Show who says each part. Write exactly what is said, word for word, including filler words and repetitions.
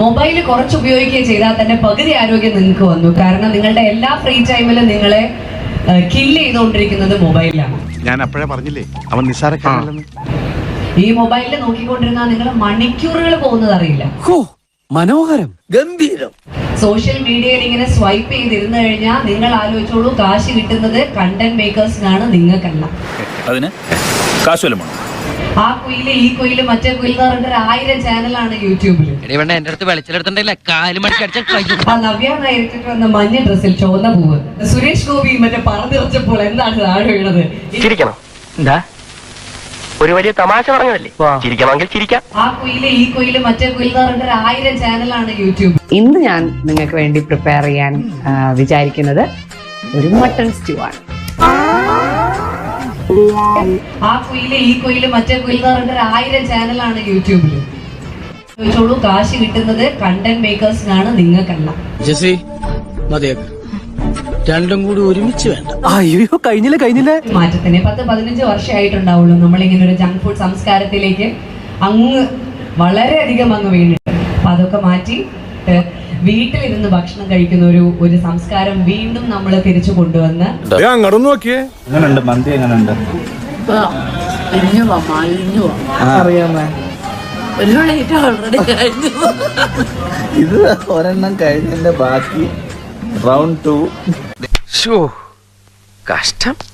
Speaker 1: Mobile കുറച്ച് ഉപയോഗിക്കുകയും ചെയ്താൽ തന്നെ പകുതി ആരോഗ്യം നിങ്ങൾക്ക് വന്നു. കാരണം നിങ്ങളുടെ എല്ലാ ഫ്രീ ടൈമിലും നിങ്ങളെ കില്ല് ചെയ്തുകൊണ്ടിരിക്കുന്നത് മൊബൈലിലാണ്.
Speaker 2: ഞാൻ അപ്പോഴേ പറഞ്ഞില്ലേ അവൻ നിസ്സാരക്കാരല്ലെന്ന്.
Speaker 1: ഈ മൊബൈലിൽ നോക്കിക്കൊണ്ടിരുന്നാൽ നിങ്ങൾ മണിക്കൂറുകൾ പോകുന്നത് അറിയില്ല.
Speaker 3: മനോഹരം, ഗംഭീരം.
Speaker 1: സോഷ്യൽ മീഡിയയിൽ ഇങ്ങനെ സ്വൈപ്പ് ചെയ്തിരുന്നു കഴിഞ്ഞാൽ നിങ്ങൾ ആലോചിച്ചോളൂ, കാശ് കിട്ടുന്നത് കണ്ടന്റ് മേക്കേഴ്സിനാണ്, നിങ്ങൾക്കല്ല.
Speaker 4: അതിന് കാശ് വല്ലതും വേണം.
Speaker 1: ആ കുയില് ഈ കുയില് മറ്റേ കുയിൽ എന്ന് പറഞ്ഞിട്ട് ആയിരം ചാനലാണ് യൂട്യൂബില്.
Speaker 5: എന്റെ അടുത്ത് വെളിച്ചെടുത്തിട്ടില്ല കാല് മണിക്കടിച്ച
Speaker 1: ആ നവ്യ നായിരിച്ചിട്ട് വന്ന മഞ്ഞ ഡ്രസ്സിൽ ചുവന്ന പൂവ് സുരേഷ് ഗോപി മറ്റേ പറന്നിറച്ചപ്പോൾ എന്താണ് താഴെ വീണത്?
Speaker 6: ചിരിക്കണം. എന്താ ഒരു വലിയ തമാശ പറഞ്ഞതല്ലേ, ചിരിക്കണമെങ്കിൽ ചിരിക്കാം.
Speaker 1: ആ കുയില് ഈ കുയില് മറ്റേ കുയിൽ എന്ന് പറഞ്ഞിട്ട് ആയിരം ചാനലാണ് യൂട്യൂബ്.
Speaker 7: ഇന്ന് ഞാൻ നിങ്ങൾക്ക് വേണ്ടി പ്രിപ്പയർ ചെയ്യാൻ വിചാരിക്കുന്നത് ഒരു മട്ടൺ സ്റ്റ്യൂ ആണ്.
Speaker 1: ആ കുയില് ഈ കുയില് മറ്റേ കുയിൽ എന്ന് പറഞ്ഞിട്ട് ആയിരം ചാനലാണ് യൂട്യൂബില്. ചോദിച്ചോളൂ, കാശ് കിട്ടുന്നത് കണ്ടന്റ് മേക്കേഴ്സിനാണ്, നിങ്ങൾക്കല്ല.
Speaker 3: ജെസി മതിയാക്ക്, രണ്ടും കൂടി ഒരുമിച്ച് വേണ്ട. അയ്യോ കഴിഞ്ഞില്ല കഴിഞ്ഞില്ല.
Speaker 1: മാറ്റത്തിന് പത്ത് പതിനഞ്ച് വർഷമായിട്ടുണ്ടാവുള്ളൂ നമ്മളിങ്ങനെ ഒരു ജങ്ക് ഫുഡ് സംസ്കാരത്തിലേക്ക് അങ്ങ് വളരെയധികം അങ്ങ് വീണിട്ട്. അപ്പൊ അതൊക്കെ മാറ്റി വീട്ടിലിരുന്ന് ഭക്ഷണം കഴിക്കുന്ന ഒരു ഒരു സംസ്കാരം വീണ്ടും നമ്മൾ തിരിച്ചു കൊണ്ടുവന്ന്
Speaker 2: നോക്കിയേ മന്തി എങ്ങനെയുണ്ട്
Speaker 3: അറിയാമേ.
Speaker 8: ഇത് ഒരെണ്ണം കഴിഞ്ഞതിന്റെ ബാക്കി റൗണ്ട് ടു.
Speaker 6: കഷ്ടം.